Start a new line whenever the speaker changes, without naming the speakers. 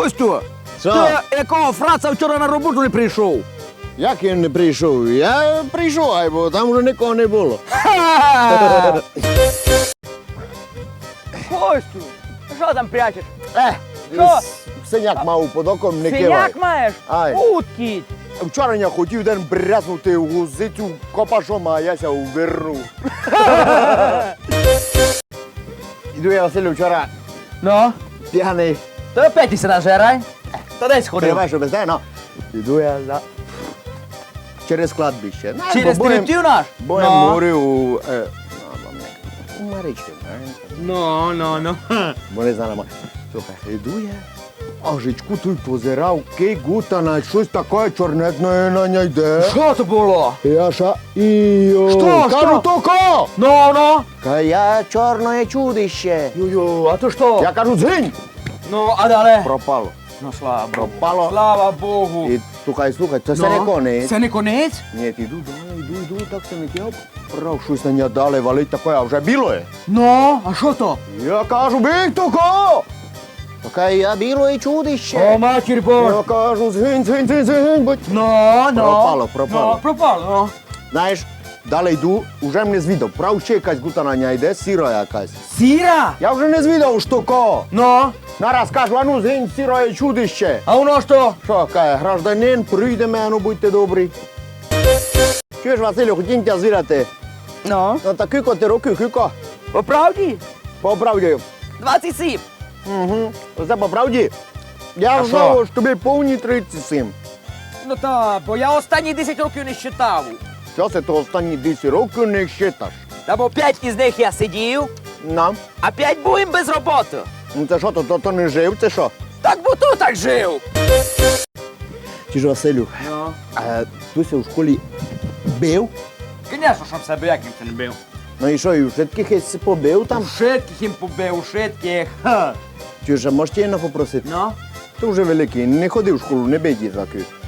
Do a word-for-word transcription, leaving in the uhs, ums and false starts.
Костю,
Що?
ти якого фраца вчора на роботу не прийшов?
Як він не прийшов? Я прийшов, ай, бо там вже нікого не було.
Костю, що там прячеш?
Е,
Що?
синяк мав під оком, не кивай.
Синяк маєш?
Ай.
Уткіть.
Вчора я хотів день брязнути в гузицю копашом, а я ся увернув. Іду я, Василю, вчора
Ну?
п'яний.
То опять ти сюди жирай? Та десь ходив.
Понимаєш, що без те, ну. Іду я за... через кладбище. Знаєш,
Через
бо боєм-
колектив наш?
Боєм
Ну.
говорив у... Е, ну, вам не- у Марички, знаєш.
Ну, ну, ну.
Бо не знала, ма- слухай, іду я, а жичку той позирав, кей гута на щось таке чорнетне на ній йде.
Що то було?
Я ша, іо,
Що,
кажу,
що?
то ко?
Ну, ну.
Ка я чорне чудище.
Ю-ю, а то що?
Я кажу, згинь.
Ну, а далі?
Пропало.
Ну, слава Богу.
Пропало.
Слава Богу.
І слухай, слухай, це все не конець.
Це не конець?
Ні, іду, далі, йду, йду, так це не я прав, щось на нього дали валить таке, а вже біло є.
Ну, а що то?
Я кажу, бій, то ко? Така я біле чудище.
О, матір Божа.
Я кажу, згинь, згинь, згинь, згинь, будь.
Ну, ну.
Пропало, пропало.
Ну, пропало, ну.
Знаєш, далі йду, вже мене звідав. Прав ще якась гутанання йде, сіра якась.
Сіра?
Я вже не звідав, що ко.
Ну,
Нараз кажу, а ну згинь, сіра є чудище.
а воно що?
Що, каже, гражданин, прийде мене, будьте добрі. Чуєш, Василю, хотім тебе звірати.
Ну.
Ну так кілько ти років, кілько?
По правді?
По правді.
двадцять сім.
Угу. Це по правді. Я
А
знав,
що?
що тобі повні тридцять сім.
Ну та, бо я останні десять років не считав.
Що це то останні десять років не считаш?
Та бо п'ять із них я сидів,
Нам?
а п'ять був без роботи.
Ну це що, то, то, то не жив, це що?
Так бо тут так жив.
Чи ж, Василю,
Ну.
а Туся у школі бив?
Звісно, щоб себе як ніхто не бив.
Ну і що, і všetkých єсь побив там?
Шитких їм побив, шитких. Ха.
Чи ж, можете її попросити?
Ну?
То вже великий, не ходив в школу, не бий дітаки.